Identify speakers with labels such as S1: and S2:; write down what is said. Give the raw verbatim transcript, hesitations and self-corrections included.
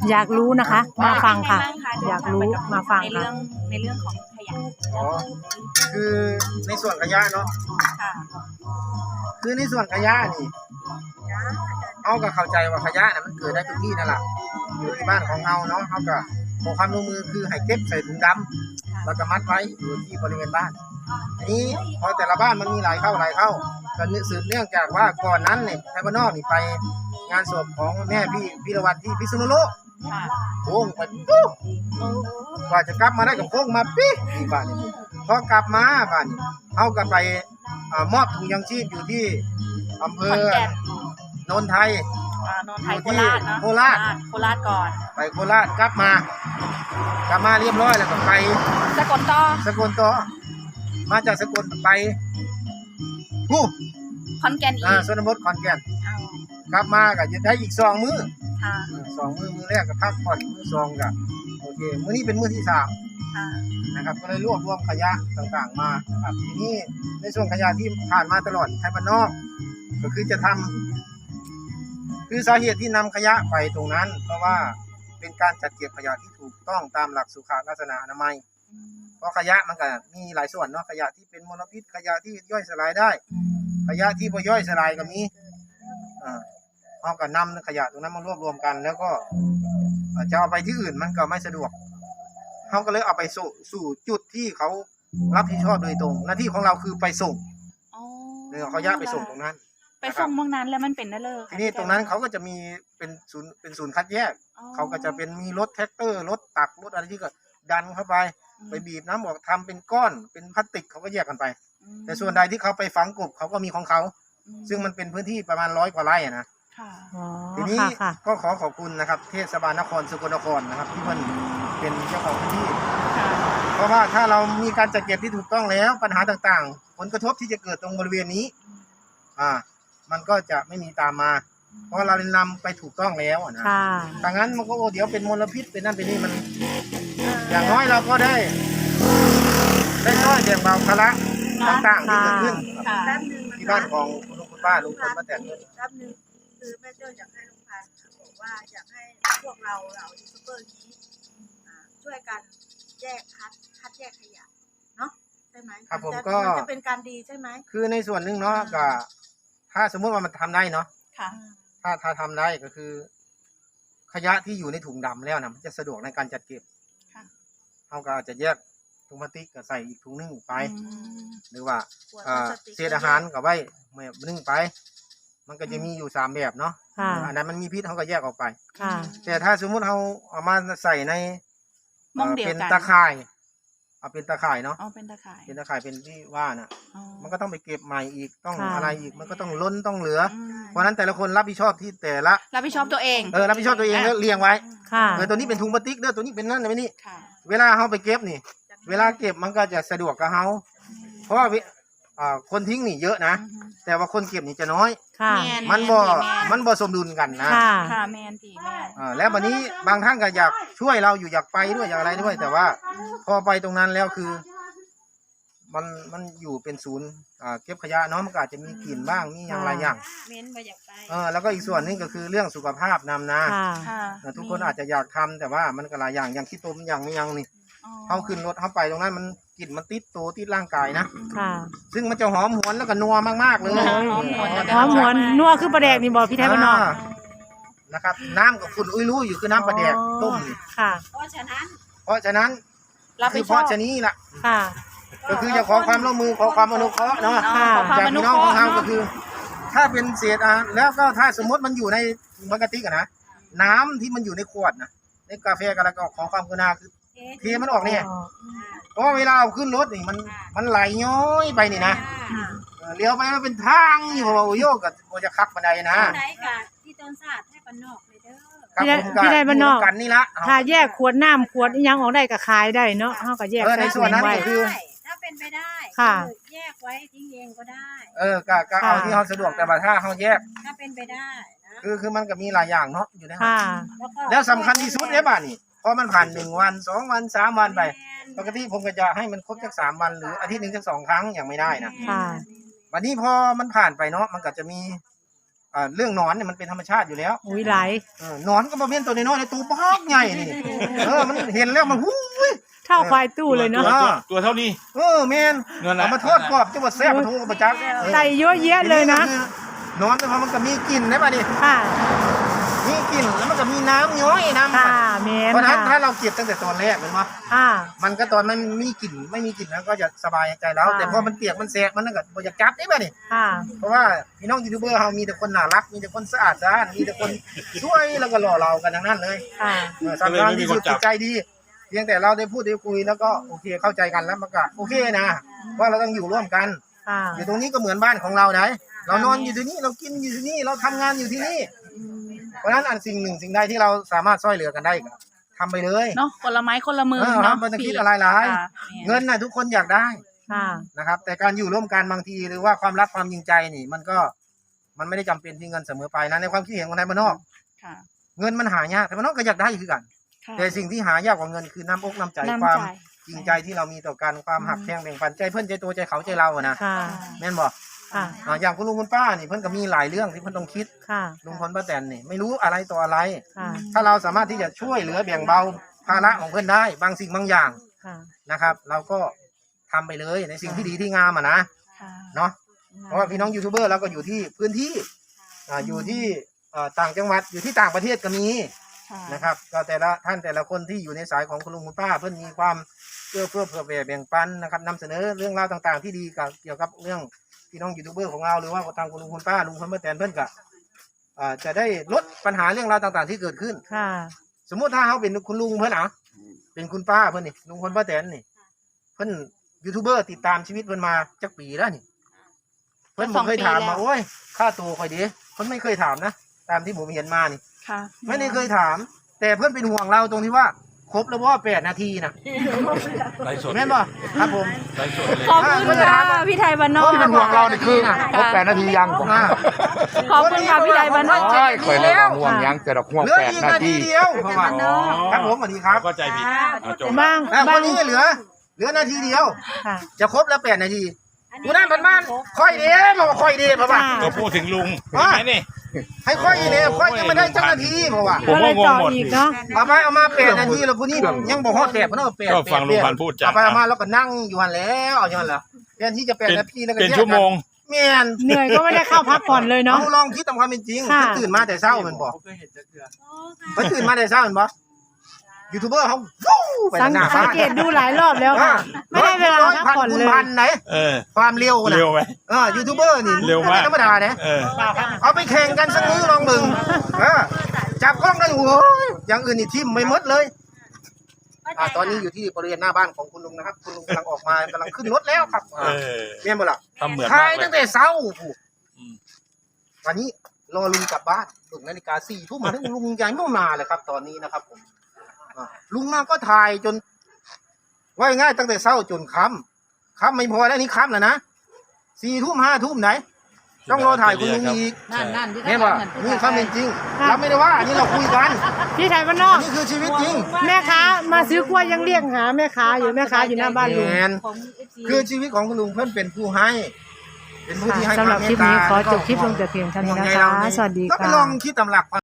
S1: อยากรู้นะคะมาฟังค่ะอยากรู้มาฟัง
S2: ใน
S1: ค่ะ
S2: เรื่องในเรื่องของขยะ
S3: อ๋อคือในส่วนขยะเนาะ
S2: ค่ะ
S3: คือในส่วนขยะนี่เอาก็เข้าใจว่าขยะน่ะมันเกิดได้ทุกที่นั่นแหละอยู่ที่บ้านของเราเนาะเขาก็ขอความร่วมมือคือให้เก็บใส่ถุงดำแล้วก็มัดไว้อยู่ที่บริเวณบ้านทีนี้พอแต่ละบ้านมันมีหลายเข้าหลายเข้าก็สืบเนื่องจากว่าก่อนนั้นเนี่ยไทยบ้านนอกนี่ไปงานศพของแม่พี่พิรวัตรที่พิษณุโลก
S2: ค่ะ
S3: โค้งไปปุ๊บกว่าจะกลับมาได้กับโค้งมาปิ๊บนี่บ้านนี้พอกลับมาบ้านนี้เอากันไปอ่ามอบถุงยังชีพอยู่ที่อำเภ
S2: ขอน
S3: อ
S2: แก่น
S3: โนนไทย
S2: อ่านนทไทยโคราชเนาะ
S3: โคราช
S2: โคราชก่อน
S3: ไปโคราชกลับมา กลับมาเรียบร้อยแล้วก็ไป
S2: สกลต่อ
S3: สกลต่อมาจากสกลไปผู้
S2: ขอนแก่นอี
S3: อ่าก ชนบทขอนแก่น
S2: เอา
S3: กลับมาก็จะได้อีกสองมื้อ
S2: ค่ะ
S3: อ่าสองมื้อมื้อแรกก็พักผ่อนมื้อสองก็โอเคมื้อนี้เป็นมื้อที่สาม
S2: ค่ะ
S3: นะครับก็เลยรวบรวมขยะต่างๆมานะครับทีนี้ในส่วนขยะที่ผ่านมาตลอดไทยบ้านนอกก็คือจะทำคือสาเหตุที่นำขยะไปตรงนั้น เพราะว่าเป็นการจัดเก็บขยะที่ถูกต้องตามหลักสุขลักษณะอนามัยเพราะขยะมันก็มีหลายส่วนเนาะขยะที่เป็นมลพิษขยะที่ย่อยสลายได้ ขยะที่บ่ย่อยสลายก็มีอ่าเอาก็นำขยะตรงนั้นมารวบรวมกัน แล้วก็จะเอาไปที่อื่นมันก็ไม่สะดวกเขาก็เลยเอาไปสู่สู่จุดที่เขารับผิดชอบโดยตรง หน้าที่ของเราคือไปส่ง
S2: อ๋อ
S3: หรือเอาขยะไปส่งตรงนั้น
S2: ไปส่งเมืองนั้นแล้วมันเป็นนั่นเลย
S3: ทีนี้ตรงนั้นเขาก็จะมีเป็นศูนย์เป็นศูนย์คัดแยก
S2: อ๋อ
S3: เขาก็จะเป็นมีรถแท็กเตอร์รถตักรถอะไรที่ก็ดันเข้าไปไปบีบน้ำออกทำเป็นก้อนเป็นพลาสติกเขาก็แยกกันไป
S2: อืม
S3: แต่ส่วนใดที่เขาไปฝังกบเขาก็มีของเขา
S2: อืม
S3: ซึ่งมันเป็นพื้นที่ประมาณร้อยกว่าไร่อะนะ
S2: ค่ะ
S1: อ๋อ
S3: ทีนี้
S1: ค่ะค่ะ
S3: ก็ขอขอบคุณนะครับเทศบาลนครสกลนครนะครับที่มันเป็นเจ้าของพื้นที่
S2: ค่ะ
S3: เพราะว่าถ้าเรามีการจัดเก็บที่ถูกต้องแล้วปัญหาต่างๆ ผลกระทบที่จะเกิดตรงบริเวณนี้ อ่า มันก็จะไม่มีตามมา เพราะเรานำไปถูกต้องแล้วอะนะ
S1: ค่ะ
S3: ถ้างั้นมันก็โอ้เดี๋ยวเป็นมลพิษเป็นนั่นเป็นนี่มัน อย่างน้อยเราก็ได้ ได้น้อยแบ่งเบาภาระต่างๆที่เกิดขึ้น
S2: ค่ะ
S4: แป๊บนึง
S3: ที่บ้านของคุณลุงคุณป้าลุงพลป้าแตน
S4: แป๊บนึงคือแม่เจ้าอยากให้ลุงพันธุ์บอกว่าอยากให้พวกเราเรายูทูบเบอร์นี้อ่าช่วยกันแยกคัดคัดแยกขยะเนาะใช่ไหม
S3: ครับผม
S4: นจะ
S3: ก็
S4: มันจะเป็นการดีใช่ไหม
S3: คือในส่วนหนึ่งเนาะก็ถ้าสมมุติว่ามันทำได้เนาะ
S2: ค่ะ
S3: ถ้าถ้าทำได้ก็คือ ขยะที่อยู่ในถุงดำแล้วนะมันจะสะดวกในการจัดเก็บ
S2: ค่ะ
S3: เขาก็อาจจะแยกถุงพลาสติกก็ใส่อีกถุงหนึงไป
S2: อืม
S3: หรือว่า
S4: ขวด
S3: เอ่อ
S4: พลาสติก
S3: เศษอาหารก็ไว้ไม่นึ่งไป มันก็จะมีอยู่สามแบบเนาะ
S1: ค่ะ
S3: อันนั้นมันมีพิษเขาก็แยกออกไป
S1: ค่ะ
S3: แต่ถ้าสมมุติเขาเอามาใส่ใน
S2: มองเดียว
S3: เป็น
S2: กัน
S3: ตะข่ายเอาเป็นตะข่ายเนาะ
S2: อ๋อเป็นตะข่าย
S3: เป็นตะข่ายเป็นที่ว่าน่ะ
S2: อ๋อ
S3: มันก็ต้องไปเก็บใหม่อีกต้อง
S1: ค่ะ
S3: อะไรอีกมันก็ต้องล้นต้องเหลือ
S2: อืม
S3: เพราะฉะนั้นแต่ละคนรับผิดชอบที่แต่ละ
S2: รับผิดชอบตัวเอง
S3: เออรับผิดชอบตัวเองแล้วเรียงไว้
S1: ค่ะ
S3: เออตัวนี้เป็นถุงพลาสติกเด้อตัวนี้เป็นนั่นไม่นี่
S2: ค่ะ
S3: เวลาเขาไปเก็บนี่ เวลาเก็บมันก็จะสะดวกกับเขาเพราะว่าเวอ่าคนทิ้งนี่เยอะนะ
S2: อือฮึ
S3: แต่ว่าคนเก็บนี่จะน้อย
S1: ค่ะ
S2: แม่
S3: มันบ่
S2: แม่
S3: มันบ่สมดุลกันนะ
S1: ค่ะ
S2: ค่ะแมนตีแมน
S3: อ่าแล้ววันนี้บางท่านก็อยากช่วยเราอยู่อยากไปด้วยอยากอะไรด้วย แต่ว่าพอไปตรงนั้นแล้วคือ มันมันอยู่เป็นศูนย์อ่าเก็บขยะเนาะมันก็อาจจะมีกลิ่นบ้างมีอย่างไรอย่าง
S4: เม้นมาอยากไป
S3: เออแล้วก็อีกส่วนหนึงก็คือเรื่องสุขภาพนำนะ
S1: ค่ะ
S2: ค่ะ
S3: เออทุกคนอาจจะอยากทำแต่ว่ามันก็หลายอย่างอย่างขี้ตมอย่างไม่ยังนี่
S2: อ๋อ
S3: เขาขึ้นรถเขาไปตรงนั้นมันกลิ่นมันติดตัวติดร่างกายนะ
S1: ค่ะ
S3: ซึ่งมันจะหอมหวนแล้วก็นัวมากๆเลย
S2: หอมหวน
S1: หอมหวนนัวคือประแดกนี่บอกพี่ไทยบ้านนอก
S3: านะครับ น้ำกับคุณอุ้ยรู้อยู่คือน้ำปลาแดกต้มนี่
S1: ค่ะ
S4: เพราะฉะนั้น
S3: เพราะฉะนั้น
S2: รับ
S3: คื
S2: ผิ
S3: อ
S2: ด
S3: เพ
S2: ชอบ
S3: ราะฉะนี้ล่ะ
S1: ค่ะ
S3: ก็คือจะขอความร่วมมือขอความอนุเคราะห์เนาะ
S2: อ๋อขอความ
S3: จาก
S2: อนุ
S3: พี่
S2: เค
S3: น้อง
S2: ราะ
S3: ของ
S2: ห์
S3: เรา
S2: เนาะ
S3: ก็คือ ถ้าเป็นเศษอาหารแล้วก็ถ้าสมมติมันอยู่ในปกติกันนะน้ำที่มันอยู่ในขวดนะในกาแฟกันแล้วก็ขอความกรุณาคือเทมันออกเนี่ยเพราะเวลาเอาขึ้นรถนี่มันมันไหลย้อยไปนี่นะเออเลี้ยวไปมันเป็นทางอยู่โอ้โยกกับโอจะคักบันไดนะ
S4: ไหนกะที่ต้นศาสตร์ให้ปนนอกเลยเด้อ
S3: ครับ
S1: พี่ได้
S3: ผมก็
S1: พี่ได้บ้านนอก
S3: ยู่ด้วยกันนี่ละ
S1: ถ้าแยกขวดน้ำขวดอิหยังออกได้ก็ขายได้เนาะเฮาก็แยก
S3: เออในส่วนนั้น
S1: ไว้
S3: ก็คือ
S4: ถ้าเป็นไปได้
S1: ค่ะ
S4: อแยกไว้ทิ้งเองก็ได้
S3: เออก็ก็เอาที่เขาสะดวกแต่ว่าถ้าเขาแยก
S4: ถ้าเป็นไปได้นะ
S3: คือคือมันก็มีหลายอย่างเนาะอยู่ในนั้น
S1: ค่ะ
S4: แล้วก็
S3: แล้วสำคัญที่สุดเนี่ยบ้านนี่พอมันผ่านหนึ่งวันสองวันสามวันไป ปกติผมก็จะให้มันครบสักสามวันหรืออาทิตย์หนึ่งสักสองครั้งอย่างไม่ได้นะ
S1: ค่ะ
S3: วันนี้พอมันผ่านไปเนาะมันก็จะมีอ่าเรื่องหนอนเนี่ยมันเป็นธรรมชาติอยู่แล้ว
S1: อุ้ยหลาย
S3: เออหนอนก็บ่แม่นตัวน้อยๆในตัวบักใหญ่นี่เออมันเห็นแล้วมันหู้ย
S1: เท่าควายตู้เลยเนาะ
S5: ตัวตัวตัวเท่านี้
S3: เออแม่น
S5: นั่นแหละ
S3: เอามาทอดกรอบจังหวัดแซ่บมาทูกับประจักษ์
S1: ใส่เยอะแยะเลยนะ
S3: หนอนแต่ว่ามันก็มีกลิ่นได้ป่ะนี่
S1: ค่ะ
S3: มีกลิ่นแล้วมันก็มีน้ำย้อยน้ำ
S1: ค่ะแมน
S3: เพราะฉะนั้นถ้า
S1: ค่ะ
S3: เราเก็บตั้งแต่ตอนแรกเลยมั้ย
S1: ค่ะ
S3: มันก็ตอนมันมีกลิ่นไม่มีกลิ่นแล้วก็จะสบายใจแล้ว
S1: ค่ะ
S3: แต่พอมันเปียกมันแสกมันนั่นก็บ่อยากจับได้ป่ะนี่
S1: ค่ะ
S3: เพราะว่าพี่น้องยูทูบเบอร์เรามีแต่คนน่ารักมีแต่คนสะอาดสะอ้านมีแต่คนช่วยแล้วก็หล่อเรากันทั้งนั้นเลย
S1: ค่ะ
S3: เออสำคัญที่สุดจิตใจดีเพียงแต่เราได้พูดได้คุยแล้วก็โอเคเข้าใจกันแล้วมันก็โอเคนะว่าเราต้องอยู่ร่วมกัน
S1: ค่ะ
S3: อยู่ตรงนี้ก็เหมือนบ้านของเราไหนเรานอนอยู่ที่นี่เรากินอยู่ที่นี่เราทำงานอยู่ที่นี่ เพราะฉะนั้นอันสิ่งหนึ่งสิ่งใดที่เราสามารถช่วยเหลือกันได้ก็ทำไปเลย
S2: เนาะคนละไม้คนละมือ
S3: เออครั
S2: เนาะ
S3: บไม่ต้องคิดอะไรหลาย
S2: ค่ะ
S3: เงินน่ะทุกคนอยากได้
S1: ค่ะ
S3: นะครับ แต่การอยู่ร่วมกันบางทีหรือว่าความรักความจริงใจนี่ มันก็มันไม่ได้จำเป็นที่เงินเสมอไปนะในความคิดเห็นของนายบ้านนอก
S2: ค่ะ
S3: เงินมันหายากแต่บ้านนอกก็อยากได้คือกัน
S2: ค่ะ
S3: แต่สิ่งที่หายากกว่าเงินคือน้ำอกน้ำใจ
S2: น้ำใจ
S3: ความจริงใจที่เรามีต่อกันความหักแพงแบ่งปันใจเพื่อนใจตัวใจเขาใจเราอะนะ
S1: ค่ะ
S3: แม่นบอก
S1: ค่ะ
S3: อ่าอย่างคุณลุงคุณป้านี่เพื่อนก็มีหลายเรื่องที่เพื่อนต้องคิด
S1: ค่ะ
S3: ลุงพลป้าแตนนี่ไม่รู้อะไรต่ออะไร
S1: ค่ะ
S3: ถ้าเราสามารถที่จะช่วยเหลือแบ่งเบาภาระของเพื่อนได้บางสิ่งบางอย่าง
S1: ค่ะ
S3: นะครับ เราก็ทำไปเลยในสิ่งที่ดีที่งามอ่ะนะ
S2: ค่ะ
S3: เนาะเพราะว่าพี่น้องยูทูบเบอร์เราก็อยู่ที่พื้นที่อ่าอยู่ที่อ่าต่างจังหวัดอยู่ที่ต่างประเทศก็มี
S2: ค่ะ
S3: นะครับก็แต่ละท่านแต่ละคนที่อยู่ในสายของคุณลุงคุณป้า เพื่อนมีความเพื่อเพื่อเผื่อแผ่แบ่งปันนะครับนำเสนอเรื่องราวต่างๆ ที่ดีกับเกี่ยวกับเรื่องพี่น้องยูทูบเบอร์ของเราหรือว่าทางคุณลุงคุณป้าลุงพลป้าแตนเพื่อนก็อ่าจะได้ลดปัญหาเรื่องราวต่างๆ ที่เกิดขึ้น
S1: ค่ะ
S3: สมมุติถ้าเขาเป็นคุณลุงเพื่อนอ่ะเป็นคุณป้าเพื่อนนี่ลุงพลป้าแตนนี่เพื่อนยูทูบเบอร์ติดตามชีวิตเพื่อนมาจักปีแล้วนี่เพื่อนผมเคยถามมาโอ้ยค่าตัวคอยดีเพื่อนไม่เคยถามนะตามที่ผมเห็นมานี่
S2: ค่ะ
S3: ไม่ได้เคยถาม แต่เพื่อนเป็นห่วงเราตรงที่ว่าครบแล้วว่าแปดนาทีนะ
S5: ไลฟ์สด
S3: แม่นบ่ครับผม
S5: ไลฟ์สดเลย
S2: ขอบคุณค่ะพี่ไทยบ้านนอก
S3: ที่เป็นห่วงเรานี่คือ
S6: ครบแปดนาทียังผม
S3: อ่า
S2: ขอบคุณค่ะพี่ไทยบ้านนอก
S6: ใช่เคยแล้วห่วงยังแต่ดอกห่วง
S3: เหลือ
S6: แปด
S3: อีก
S6: นา
S3: นาที
S6: ที
S3: เดียวเพราะว่า
S5: อ๋อ
S3: ครับผมสวัสดีครับ
S5: เข้าใจผิดเอาจบ
S1: บ้าง
S3: อ่าค
S1: บ้าง
S3: นนี้เหลือ เหลือนาทีเดียว
S1: ค่ะ
S3: จะครบแล้วแปดนาทีกูนั่นเป็นบ้านค่อยเด้บอกว่าค่อยเด้เพราะว่า
S5: ก็พูดถึงลุง
S3: อ่ะ
S5: เห็นไหมนี่
S3: ให้ค่อยเด้ค่อยยังไม่ได้จังนาทีเพราะว่า
S5: ผม
S1: ก็เล
S5: ก็
S1: ย
S5: งง
S1: ต่อ
S5: หมด
S1: อีกเนาะ
S3: เอาไปเอามาแปดนาทีแล้วพวกนี้ยังบอกฮอดแปดเพราะว่าแปด
S5: ก็ฟังลุงพันธุ์พูดจ้ะ
S3: เอาไปเอามาแล้วก็นั่งอยู่หันแล้วเอาอยู่หันแล้วแทนที่จะแปดนาทีแล้วก็
S5: เป็น
S3: แยกกั
S5: ชั่วโมง
S3: แม่น
S1: เหนื่อยก็ไม่ได้เข้าพักผ่อนเลยเนาะ
S3: เอาลองคิดตามความเป็นจริง
S1: ค่ะ
S3: เพิ่นตื่นมาแต่เช้าแมันบอกเพิ่นตื่นมาแต่เช้าแมันบอกยูทูบเบอร์เขาฟู้ไป
S1: สัง
S3: หน้า
S1: สั
S3: บ้าง น
S1: เกตดูหลายรอบแล้วค่ะ ไม่ได้เวลาพักผ่อน
S3: คุณ
S1: เลย
S3: พันไหน
S5: เออ
S3: ความเร็วนะ
S5: เร็วไหม
S3: เออยูทูบเบอร์นี่
S5: เร็วมาก
S3: ไธรรมดาเนี่ย
S5: เออ
S3: เอาไปแข่งกันสักมื้อลองมึงเออจับกล้องกันโอ้ยอย่างอื่นนี่ทิมไม่หมดเลยอ่าตอนนี้อยู่ที่บริเวณหน้าบ้านของคุณลุงนะครับ คุณลุงกำลังออกมากำลังขึ้นรถแล้วครับ
S5: เออ
S3: เรียนบ่ล่ะ
S5: ทำเหมือน
S3: ถ่าม
S5: าย กเล
S3: ตั้
S5: ย
S3: งแต่เช้าผู้
S5: อืม
S3: วันนี้รอลุงกลับบ้านถึงนาฬิกาสี่ทุ่มมาถึงลุงยังไม่มาเลยครับ ตอนนี้นะครับผมอ่าลุงมาก็ถ่ายจนว่าง่ายตั้งแต่เช้าจนค่ำค่ำไม่พอแล้วนี่ค่ำแล้วนะสี่ทุ่มห้าทุ่มไหน ต้องรอถ่ายคุณลุงอีก
S2: นั่นนั่นที่
S3: เนี่ยว่านี่ความเป็นจริงเราไม่ได้ว่าอันนี้เราคุยกัน
S1: พี่ไทยบ้านนอก
S3: นี่คือชีวิตจริง
S1: แม่ค้ามาซื้อกล้วยยังเรียกหาแม่ค้าอยู่แม่ค้าอยู่หน้าบ้านลุง
S3: แมนคือชีวิตของคุณลุงเพื่อนเป็นผู้ให้ เป็นผู้ที่ให้
S1: สำหรับ
S3: วาม
S1: คลิป
S3: เมตตา
S1: นี้ขอจบคลิปลงแต่เพียงเท่านี้นะคะ สวัสดี
S3: ก็ไป
S1: ค่ะ
S3: ลองคิดตำหลัก